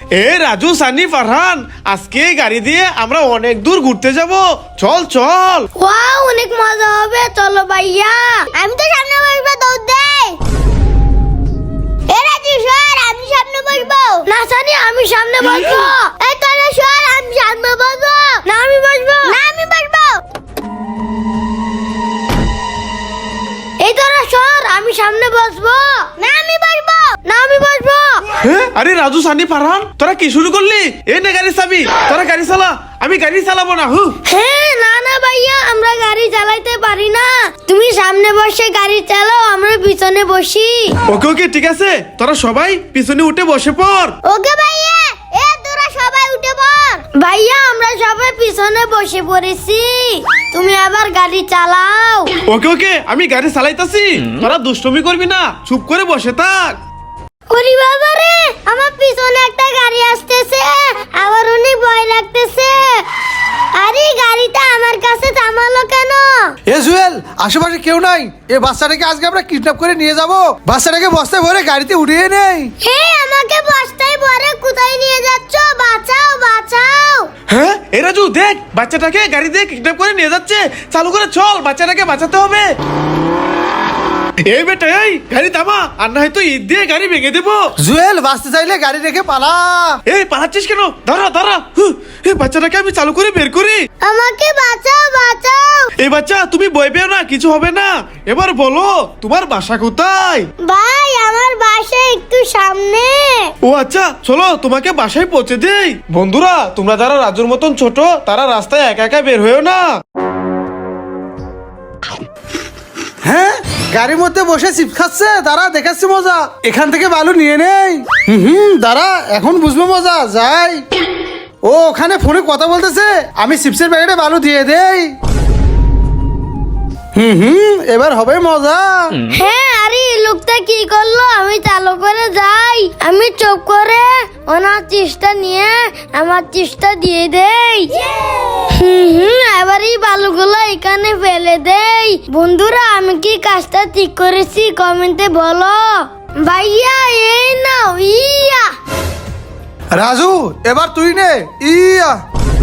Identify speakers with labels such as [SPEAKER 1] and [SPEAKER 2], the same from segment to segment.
[SPEAKER 1] এ রাজু, সানি, ফারহান, আজকে গাড়ি দিয়ে আমরা অনেক দূর ঘুরতে যাব। চল চল।
[SPEAKER 2] ওয়াও, অনেক মজা হবে, চলো ভাইয়া। আমি তো সামনে বসবো, দৌড় দে। এ রাজু সর, আমি সামনে বসবো। না সানি, আমি সামনে বসবো। এই তোরা সর, আমি সামনে বসবো। না আমি বসবো। না আমি বসবো। এই তোরা সর, আমি সামনে বসবো। না আমি বসবো। না আমি বসবো।
[SPEAKER 1] আরে রাজু, সানি, ফারহান, তোরা কি শুরু করলি? এই নে গাড়ি চাবি, তোরা গাড়ি চালা। আমি গাড়ি চালাবো না।
[SPEAKER 2] না না ভাইয়া, আমরা গাড়ি চালাইতে পারি না। তুমি সামনে বসে গাড়ি চালাও, আমরা পিছনে বসি।
[SPEAKER 1] ওকে ওকে, ঠিক আছে, তোরা সবাই পিছনে উঠে বসে পড়।
[SPEAKER 2] ওকে ভাইয়া। এ তোরা সবাই উঠে পড়। ভাইয়া, আমরা সবাই পিছনে বসে পড়েছি, তুমি আবার গাড়ি চালাও।
[SPEAKER 1] ওকে ওকে, আমি গাড়ি চালাইতাছি, তোরা দুষ্টুমি করবি না, চুপ করে বসে থাক।
[SPEAKER 2] ওরে বাবা রে, আমার পিছনে একটা গাড়ি আসতেছে, আমার অনেক ভয় লাগতেছে। আরে গাড়িটা আমার কাছে থামালো কেন?
[SPEAKER 3] এ জুয়েল, আশেপাশে কেউ নাই। এ বাচ্চাটাকে আজকে আমরা কিডন্যাপ করে নিয়ে যাব। বাচ্চাটাকে বস্তায় ভরে গাড়িতে উঠিয়ে নেই।
[SPEAKER 2] হে, আমাকে বস্তায় ভরে কোথায় নিয়ে যাচ্ছ? বাঁচাও বাঁচাও।
[SPEAKER 1] হ্যাঁ, এ রাজু দেখ, বাচ্চাটাকে গাড়ি দিয়ে কিডন্যাপ করে নিয়ে যাচ্ছে। চালু করে চল, বাচ্চাটাকে বাঁচাতে হবে। এই বেটা, এই গাড়ি থামা, আর না হয়তো ঈদ দিয়ে গাড়ি ভেঙে দেবো।
[SPEAKER 3] জুয়েল, বাঁচতে চাইলে গাড়ি রেখে পালা।
[SPEAKER 1] এই পালাচ্ছিস কেন? দাঁড়া দাঁড়া। এই বাচ্চাটাকে আমি চালু করে বের করি।
[SPEAKER 2] আমাকে বাঁচাও বাঁচাও।
[SPEAKER 1] এই বাচ্চা, তুমি ভয় পেও না, কিছু হবে না। এবার বলো, তোমার বাসা কোথায়?
[SPEAKER 2] ভাই, আমার বাসা একটু সামনে।
[SPEAKER 1] ও আচ্ছা, চলো তোমাকে বাসায় পৌঁছে দেই। বন্ধুরা, তোমরা যারা রাজুর মতন ছোট, তারা রাস্তায় একা একা বের হয়েও না।
[SPEAKER 3] হ্যাঁ, গাড়ির মধ্যে বসে চিপস খাচ্ছে, দাঁড়া দেখাচ্ছি মজা। এখান থেকে বালু নিয়ে নেই। দাঁড়া, এখন বুঝবো মজা। যাই। ও ওখানে ফোনে কথা বলতেছে, আমি চিপসের প্যাকেটে বালু দিয়ে দেই। এবার হবে মজা।
[SPEAKER 2] হ্যাঁ, আরে এই লোকটা কি করলো? আমি চালু করে যাই, আমি চুপ করে ওনার চিপসটা নিয়ে আমার চিপসটা দিয়ে দেই। এবার এই বালুগুলো এখানে ফেলে দেই। বন্ধুরা, আমি কি কাজটা ঠিক করেছি কমেন্টে বলো। ভাইয়া, এই নাও। ইয়া
[SPEAKER 3] রাজু, এবার তুই নে। ইয়া।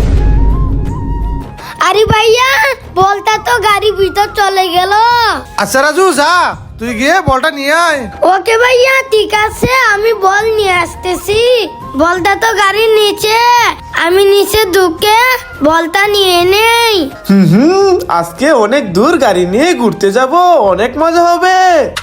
[SPEAKER 2] আরে ভাইয়া, বলটা তো গাড়ি ভিতর চলে গেল।
[SPEAKER 3] আচ্ছা রাজু, যা, তুই গিয়ে বলটা নিয়ে আয়।
[SPEAKER 2] ওকে ভাইয়া, ঠিক আছে, আমি বল নিয়ে আসতেছি। বলটা তো গাড়ির নিচে, আমি নিচে ঢুকে বলটা নিয়ে নেই।
[SPEAKER 1] আজকে অনেক দূর গাড়ি নিয়ে ঘুরতে যাব, অনেক মজা হবে।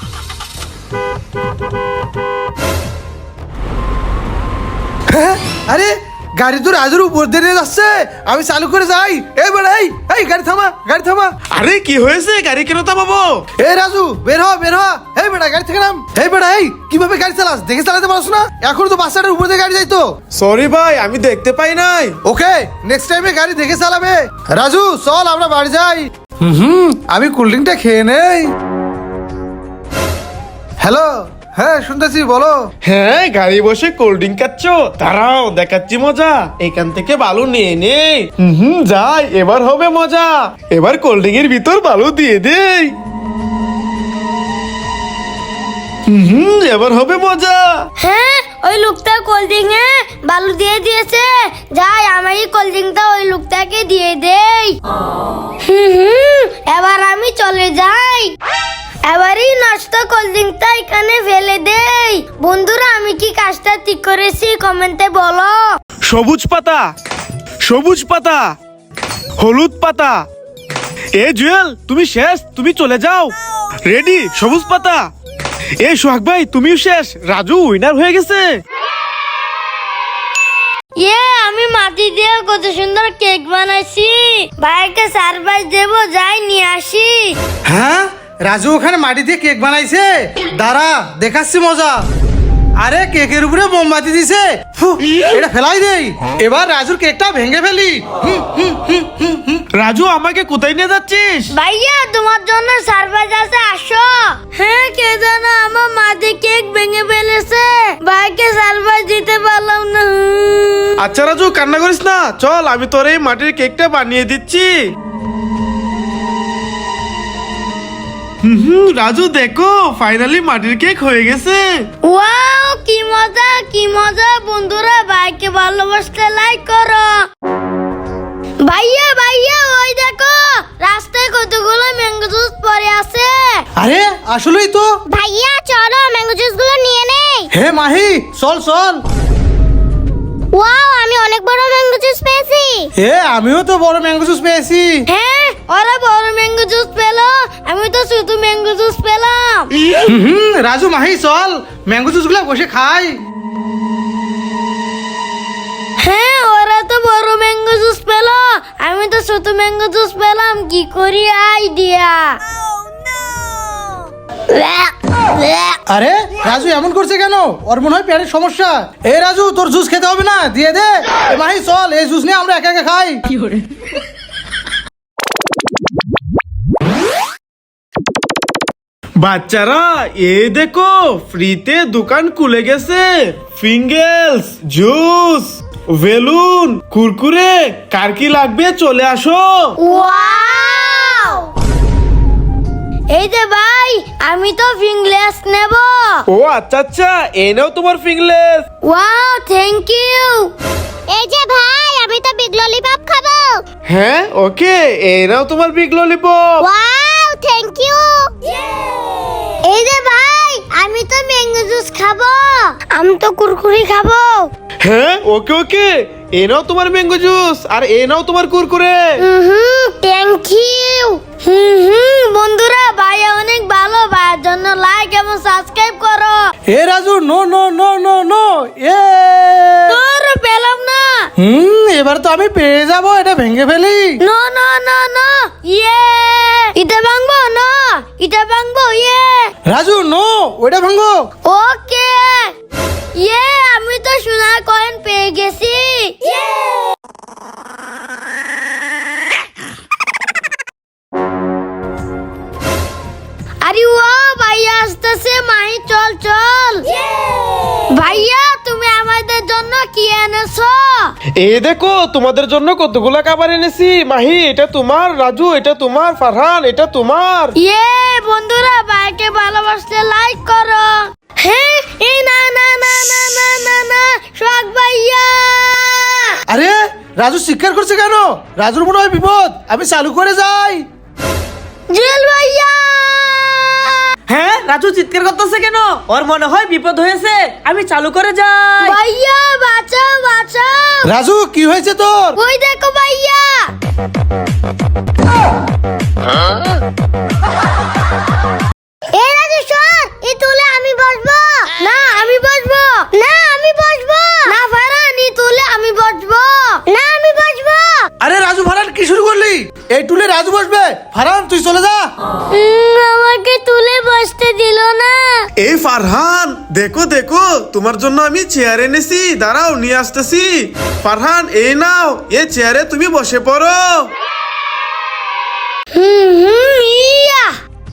[SPEAKER 3] হ্যাঁ, আরে গাড়ি তো রাজুর উপর দিয়ে নিয়ে যাচ্ছে। আমি চালু করে যাই। এই বেড়া, এই গাড়ি থামা, গাড়ি থামা।
[SPEAKER 1] আরে কি হয়েছে? গাড়ি কেন থামাবো?
[SPEAKER 3] এই রাজু, বের হ, বের হ। এই বেড়া, গাড়ি থেকে নাম। এই বেড়া, এই কিভাবে গাড়ি চালাস? দেখে চালাতে পারছ না? এখন তো বাচ্চাটার উপর দিয়ে গাড়ি যাইতো।
[SPEAKER 1] সরি ভাই, আমি দেখতে পাই নাই।
[SPEAKER 3] ওকে, নেক্সট টাইমে গাড়ি দেখে চালাবে। রাজু, চল আমরা বাড়ি যাই। আমি কোল্ড ড্রিঙ্কটা খেয়ে নেই। হ্যালো, হ্যাঁ শুনতেছি, বলো।
[SPEAKER 1] হ্যাঁ, গাড়ি বসে কোল্ড ড্রিঙ্ক খাচ্ছ? দাঁড়াও, দেখাচ্ছি মজা। এখান থেকে বালু নিয়ে নে। যাই, এবার হবে মজা। এবার কোল্ড ড্রিঙ্কের ভিতর বালু দিয়ে দেই। এবার হবে মজা।
[SPEAKER 2] হ্যাঁ, ওই লোকটা কোল্ড ড্রিঙ্কে বালু দিয়ে দিয়েছে। যাই, আমি কোল্ড ড্রিঙ্কটা ওই লোকটাকে দিয়ে দেই। এবার আমি চলে যাই। এবারই নষ্ট কোল্ড ড্রিঙ্কটা এখানে ফেলে দেই। বন্ধুরা, আমি কি কাজটা ঠিক করেছি কমেন্টে বলো।
[SPEAKER 1] সবুজ পাতা, সবুজ পাতা, হলুদ পাতা। এ জুয়েল, তুমি শেষ, তুমি চলে যাও। রেডি, সবুজ পাতা। এ সোহাগ ভাই, তুমিও শেষ। রাজু উইনার হয়ে গেছে।
[SPEAKER 2] আমি মাটি দিয়ে কত সুন্দর কেক বানাইছি। ভাইকে সারপ্রাইজ দেবো, যাই নিয়ে আসি।
[SPEAKER 3] হ্যাঁ, রাজু ওখানে মাটি দিয়ে কেক বানাইছে। দাঁড়া, দেখাচ্ছি মজা। আরে কেকের উপরে মোমবাতি দিছে। এটা ফেলাই দেই। এবার রাজুর কেকটা ভেঙে ফেলি।
[SPEAKER 1] রাজু, আমাকে কোথায় নিয়ে যাচ্ছিস?
[SPEAKER 2] ভাইয়া, তোমার জন্য সারপ্রাইজ আছে, আসো। হ্যাঁ, কে জানো আমার মাটি কেক ভেঙে ফেলেছে। ভাইকে সারপ্রাইজ দিতে পারলাম না।
[SPEAKER 1] আচ্ছা রাজু, কান্না করিস না, চল আমি তোর এই মাটির কেকটা বানিয়ে দিচ্ছি। রাজু দেখো ফাইনালি মাটির কেক হয়ে গেছে।
[SPEAKER 2] ওয়াও কি মজা বন্ধুরা, ভাইকে ভালোবাসতে লাইক করো। ভাইয়া ভাইয়া ওই দেখো রাস্তায় কতগুলো ম্যাঙ্গো জুস পড়ে আছে।
[SPEAKER 3] আরে আসলেই তো।
[SPEAKER 2] ভাইয়া চলো ম্যাঙ্গো জুস গুলো নিয়ে নেই।
[SPEAKER 3] হে মাহি চল চল।
[SPEAKER 2] ওয়াও আমি অনেক বড় ম্যাঙ্গো জুস পেয়েছি।
[SPEAKER 3] হে আমিও তো বড় ম্যাঙ্গো জুস পেয়েছি।
[SPEAKER 2] হ্যাঁ ওরা বড় ম্যাঙ্গো জুস পেলো, আমি তো শুধু ম্যাঙ্গো জুস পেলাম।
[SPEAKER 3] রাজু মাহি চল ম্যাঙ্গো জুস গুলা বসে খাই।
[SPEAKER 2] হ্যাঁ ওরা তো বড় ম্যাঙ্গো জুস পেলো, আমি তো ছোট ম্যাঙ্গো জুস পেলাম। কি করি আইডিয়া।
[SPEAKER 3] আরে রাজু এমন করছে কেন? ওর মনে হয় পেটের সমস্যা। এই রাজু তোর জুস খেতে হবে না, দিয়ে দে। এ মাহি চল এই জুস নিয়ে আমরা একা একা খাই।
[SPEAKER 1] বাচ্চারা এই দেখো ফ্রিতে দোকান খুলে গেছে। ফিঙ্গেলস, জুস, বেলুন, কুরকুরে, কার কি লাগবে চলে আসো।
[SPEAKER 2] ওয়াও এই যে ভাই আমি তো ফিঙ্গলেস নেব।
[SPEAKER 1] ও আচ্ছা আচ্ছা, এই নাও তোমার ফিঙ্গলেস।
[SPEAKER 2] Wow thank you. এই যে ভাই আমি তো বিগ ললিপপ খাবো।
[SPEAKER 1] হ্যাঁ ওকে, এই নাও তোমার big lollipop.
[SPEAKER 2] Wow thank you. এই যে ভাই আমি তো ম্যাঙ্গো জুস খাবো। আমি তো কুরকুরি খাবো।
[SPEAKER 1] হ্যাঁ ওকে ওকে, এই নাও তোমার ম্যাঙ্গো জুস আর এই নাও তোমার কুরকুরে।
[SPEAKER 2] Thank you. বন্ধুরা ভাইয়া অনেক ভালো, ভাইয়ের জন্য লাইক এবং সাবস্ক্রাইব করো।
[SPEAKER 3] এ Raju no no no no no. এ
[SPEAKER 2] তোর পেলাম না।
[SPEAKER 3] এবার তো আমি পেয়ে যাব, এটা ভেঙে ফেলি।
[SPEAKER 2] নো নো নো নো ইয়ে এটা ভাঙবো না, এটা ভাঙবো ইয়ে।
[SPEAKER 3] রাজু নো ওটা ভাঙো।
[SPEAKER 2] ওকে ইয়ে আমি তো সোনার কয়েন পেয়ে গেছি। আরে ওয়াও ভাইয়া আসতেছে, মাহি চল চল। ভাইয়া তুমি আমাদের জন্য কি এনেছো?
[SPEAKER 1] এই দেখো তোমাদের জন্য কতগুলা খাবার এনেছি। মাহি এটা তোমার, রাজু এটা তোমার, ফারহান এটা তোমার।
[SPEAKER 2] ইয়ে বন্ধুরা ভাইকে ভালোবাসতে লাইক করো। হ্যাঁ এই না না না না না না না শখ ভাইয়া।
[SPEAKER 3] আরে রাজু চিৎকার করছে কেন? রাজুর মনে হয় বিপদ, আমি চালু করে যাই।
[SPEAKER 2] জেল ভাইয়া।
[SPEAKER 4] হ্যাঁ রাজু চিৎকার করতেছে কেন? ওর মনে হয় বিপদ হয়েছে, আমি চালু করে যাই।
[SPEAKER 2] ভাইয়া বাঁচাও বাঁচাও।
[SPEAKER 3] রাজু কি হয়েছে তোর?
[SPEAKER 2] ওই দেখো ভাইয়া। এই রাজু সর, এই তুলে আমি বসবো। না আমি বসবো। না আমি বসবো। না ফারহান এই তুলে আমি বসবো। না আমি বসবো।
[SPEAKER 3] আরে রাজু ফারহান কি শুরু করলি? এই টুলে রাজু বসবে, ফারহান তুই চলে যা।
[SPEAKER 2] আমাকে তুলে বসতে দিল না।
[SPEAKER 1] এই ফারহান দেখো দেখো তোমার জন্য আমি চেয়ার এনেছি, দাঁড়াও নিয়ে আসতেছি। ফারহান এই নাও, এই চেয়ারে তুমি বসে পড়ো।
[SPEAKER 2] ইয়া।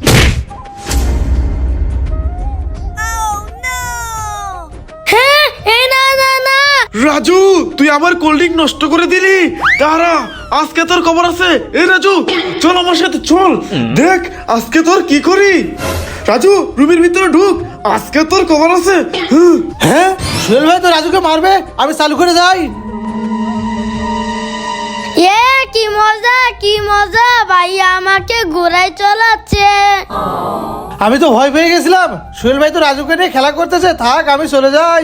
[SPEAKER 2] হ্যাঁ এই না না না।
[SPEAKER 1] রাজু তুই আমার কোল্ড ড্রিঙ্ক নষ্ট করে দিলি। দাঁড়া আজকে তোর খবর আছে। এই রাজু চল আমার সাথে চল, দেখ আজকে তোর কি করি। রাজু রুমের ভিতরে ঢুক, আজকে তোর খবর আছে।
[SPEAKER 3] হ্যাঁ সোহেল ভাই তো রাজুকে মারবে, আমি চালু করে যাই।
[SPEAKER 2] এ কি মজা ভাইয়া আমাকে ঘোড়ায় চলাচ্ছে।
[SPEAKER 3] আমি তো ভয় পেয়ে গেছিলাম, সোহেল ভাই তো রাজুকে নিয়ে খেলা করতেছে, থাক আমি চলে যাই।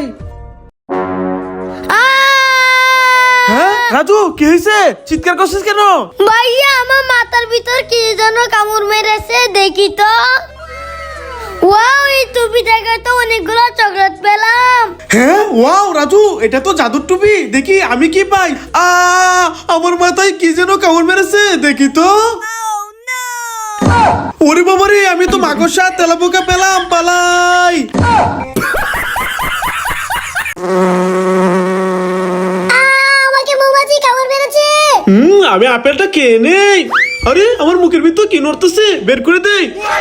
[SPEAKER 1] হ্যাঁ রাজু কি হয়েছে? চিৎকার করছিস কেন?
[SPEAKER 2] ভাইয়া আমার মাথার ভিতর কি যেন কামড় মেরেছে, দেখি তো। ওয়াও এই টুপি থেকে তো অনেকগুলো চকলেট পেলাম।
[SPEAKER 1] হ্যাঁ ওয়াও রাজু এটা তো জাদুর টুপি, দেখি আমি কি পাই। আমার মাথায় কি যেন কামড় মেরেছে, দেখি তো। ওরে বাবারে আমি তো মাকড়সা তেলাপোকা পেলাম, পালাই।
[SPEAKER 2] আমাকে মৌমাছি কামড় মেরেছে।
[SPEAKER 1] আমি আপেলটা খেয়ে নেই। আরে আমার মুখের ভিতর কি নড়তেছে, বের করে দেই।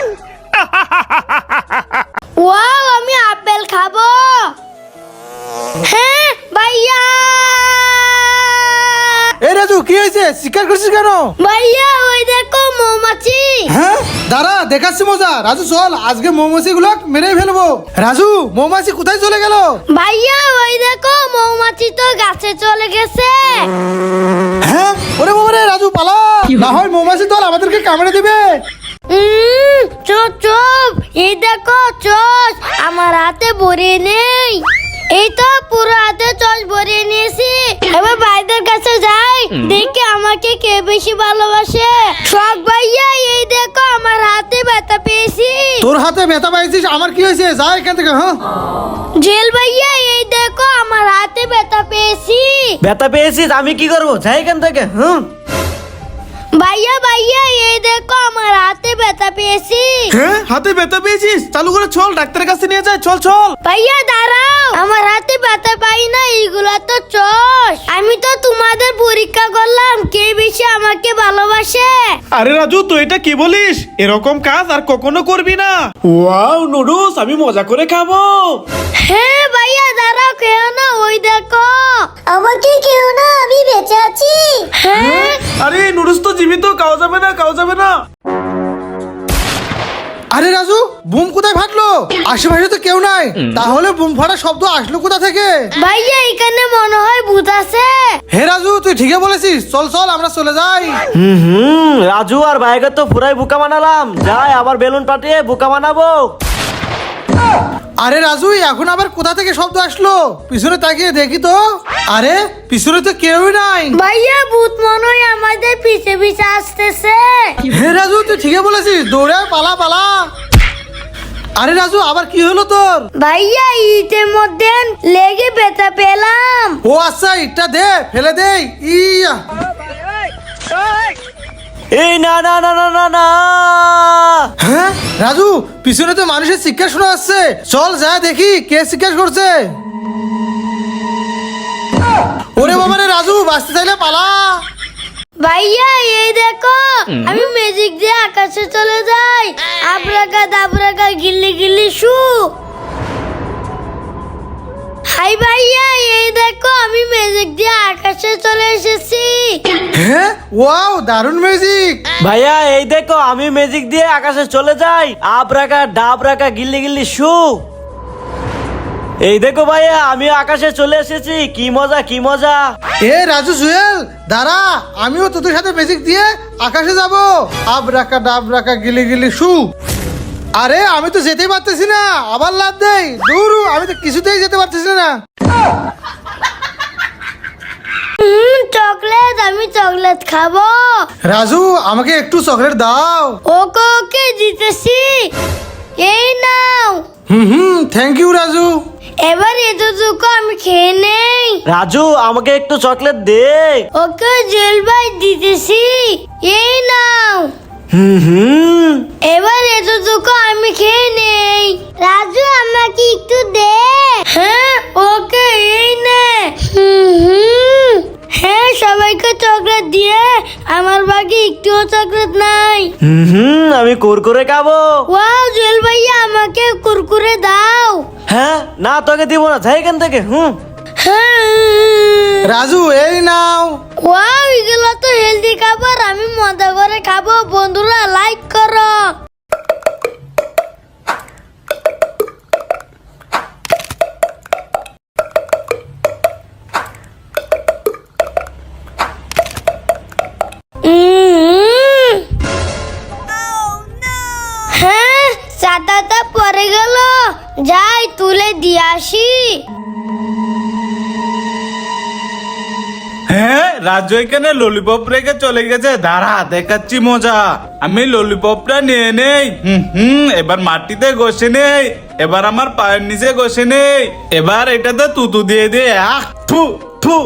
[SPEAKER 2] ওয়াও আমি আপেল খাবো। হ্যাঁ ভাইয়া।
[SPEAKER 3] এই রাজু কি হয়েছে? চিৎকার করছিস কেন?
[SPEAKER 2] ভাইয়া ওই দেখো মৌমাছি।
[SPEAKER 3] হ্যাঁ দাঁড়া দেখাচ্ছি মজা। রাজু চল, আজকে মৌমাছি গুলো মেরে ফেলবো। রাজু, মৌমাছি কোথায় চলে গেল?
[SPEAKER 2] ভাইয়া ওই দেখো মৌমাছি তো গাছে চলে গেছে।
[SPEAKER 3] হ্যাঁ, ওরে বাবা রে, রাজু পালা, না হয় মৌমাছি দল আমাদেরকে কামড়ে দিবে।
[SPEAKER 2] চুপ চুপ, এই দেখো চোষ আমার হাতে ভরিয়ে নেই। এই তো পুরো হাতে চোষ ভরিয়ে নিয়েছি। এবার ভাইদের কাছে যাই, দেখি আমাকে কে বেশি ভালোবাসে। শখ ভাইয়া, এই দেখো আমার হাতে ব্যথা পেয়েছি।
[SPEAKER 3] তোর হাতে ব্যথা পাইছিস, আমার কি হয়েছে? যা এখান থেকে। হ্যাঁ,
[SPEAKER 2] জেল ভাইয়া, এই দেখো আমার হাতে ব্যথা পেয়েছি।
[SPEAKER 4] ব্যথা পেয়েছিস, আমি কি করবো? যাই এখান থেকে।
[SPEAKER 2] ভাইয়া ভাইয়া, এই দেখো আমার হাতে ব্যথা পেয়েছি।
[SPEAKER 1] হ্যাঁ, হাতে ব্যথা পেয়েছিস? চালু করে চল, ডাক্তারের কাছে নিয়ে যায়। চল চল।
[SPEAKER 2] ভাইয়া দাঁড়াও, আমার হাতে ব্যথা পাই না, এইগুলা তো চোষ। আমি তো তোমাদের পরীক্ষা করলাম কে বেশি আমাকে ভালোবাসে।
[SPEAKER 1] আরে রাজু, তুই এটা কি বলিস? এরকম কাজ আর কখনো করবি না। ওয়াও নুডলস, আমি মজা করে খাবো।
[SPEAKER 2] হ্যাঁ ভাইয়া দাঁড়াও, কেউ না, ওই দেখো আমাকে কেউ না, আমি বেঁচে আছি। হ্যাঁ,
[SPEAKER 1] আরে নুডলস তো জীবিত, খাওয়া যাবে না, খাওয়া যাবে না।
[SPEAKER 3] আরে রাজু, বুম কোথায় ফাটলো? আশেপাশে তো কেউ নাই, তাহলে বুম ফাটার শব্দ আসলো কোথা থেকে?
[SPEAKER 2] ভাইয়া এখানে মনে হয় ভূত আছে।
[SPEAKER 3] হে রাজু, তুই ঠিকই বলেছিস। চল চল, আমরা চলে যাই।
[SPEAKER 4] রাজু আর ভাইকে তো পুরাই বোকা বানালাম। যাই আবার বেলুন পাঠিয়ে বোকা বানাবো।
[SPEAKER 3] আরে রাজু, এখন আবার কোথা থেকে শব্দ আসলো? পিছনে তাকিয়ে দেখি তো। আরে পিছনে তো কেউই নাই।
[SPEAKER 2] ভাইয়া ভূত মনে হয় আমাদের পিছে পিছে আসতেছে।
[SPEAKER 3] হে রাজু, তুই ঠিকই বলেছিস, দৌড়ে পালা পালা। আরে রাজু, আবার কি হলো তোর?
[SPEAKER 2] ভাইয়া ইটের মধ্যে লেগে ব্যথা পেলাম।
[SPEAKER 3] ও আচ্ছা, ইটটা দে, ফেলে দেই। ইয়া,
[SPEAKER 4] এই না না না না না না।
[SPEAKER 3] হ্যাঁ রাজু, পিছনে তো মানুষের চিৎকার শোনা যাচ্ছে। চল যা দেখি কে চিৎকার করছে। ওরে বাবা রে রাজু, বাঁচতে চাইলে পালা।
[SPEAKER 2] ভাইয়া এই দেখো, আমি ম্যাজিক দিয়ে আকাশে চলে যাই। আবরাকা দাবরাকা গিল্লি গিল্লি শু। হাই ভাইয়া, এই দেখো আমি ম্যাজিক দিয়ে আকাশে চলে এসেছি।
[SPEAKER 3] হ্যাঁ, ওয়াও, দারুণ ম্যাজিক।
[SPEAKER 4] ভাইয়া এই দেখো, আমি ম্যাজিক দিয়ে আকাশে চলে যাই। আপ রাখা ডাব রাখা গিল্লি গিল্লি শু। এই দেখো ভাইয়া, আমি আকাশে চলে এসেছি। কি মজা, কি মজা।
[SPEAKER 3] এ রাজু জুয়েল, দাঁড়া, আমিও তোদের সাথে ম্যাজিক দিয়ে আকাশে যাব। আব রাখা ডাব রাখা গিলি গিলি শু। আরে আমি তো যেতেই পারতেছি না, আবার লাভ দেই। দূর, আমি তো কিছুতেই যেতে পারতেছি না।
[SPEAKER 2] চকলেট, আমি চকলেট খাবো।
[SPEAKER 3] রাজু, আমাকে একটু চকলেট দাও।
[SPEAKER 2] ওকে ওকে দিতেছি, এই নাও।
[SPEAKER 3] Thank you Raju.
[SPEAKER 2] এবার এতটুকু আমি খেয়ে নেই।
[SPEAKER 4] রাজু, আমাকে একটু চকলেট দে।
[SPEAKER 2] ওকে জেল ভাই দিতেছি, এই নাও। এবার এতটুকু আমি খেয়ে নেই। রাজু আমাকে একটু দে। হ্যাঁ ওকে, এই নে। হ্যাঁ, সবাইকে চকলেট দিয়ে আমার বাকি একটুও চকলেট নাই।
[SPEAKER 4] আমি কুরকুরে খাবো।
[SPEAKER 2] ওয়াও জেল ভাইয়া, আমাকে কুরকুরে দাও।
[SPEAKER 4] হ্যাঁ, না তোকে দিব না, যাই এখান থেকে।
[SPEAKER 2] হ্যাঁ।
[SPEAKER 3] রাজু, এই নাও।
[SPEAKER 2] ওয়াও, এগুলো তো হেলদি খাবার, আমি মজা করে খাবো। বন্ধুরা লাইক করো। হ্যাঁ, চাটাটা পড়ে গেল, যাই তুলে দিয়ে আসি।
[SPEAKER 1] হ্যাঁ, রাজু এখানে ললিপপ রেখে চলে গেছে। দাঁড়া, দেখাচ্ছি মজা। আমি ললিপপটা নিয়ে নেই। এবার মাটিতে ঘষে নেই। এবার আমার পায়ের নিচে ঘষে নেই। এবার এটাতে তুতু দিয়ে দিয়ে থু থু।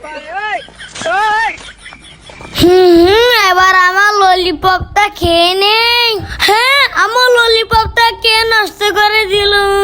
[SPEAKER 2] এবার আমার ললিপপটা খেয়ে নেই। হ্যাঁ, আমার ললিপপটা কে নষ্ট করে দিল?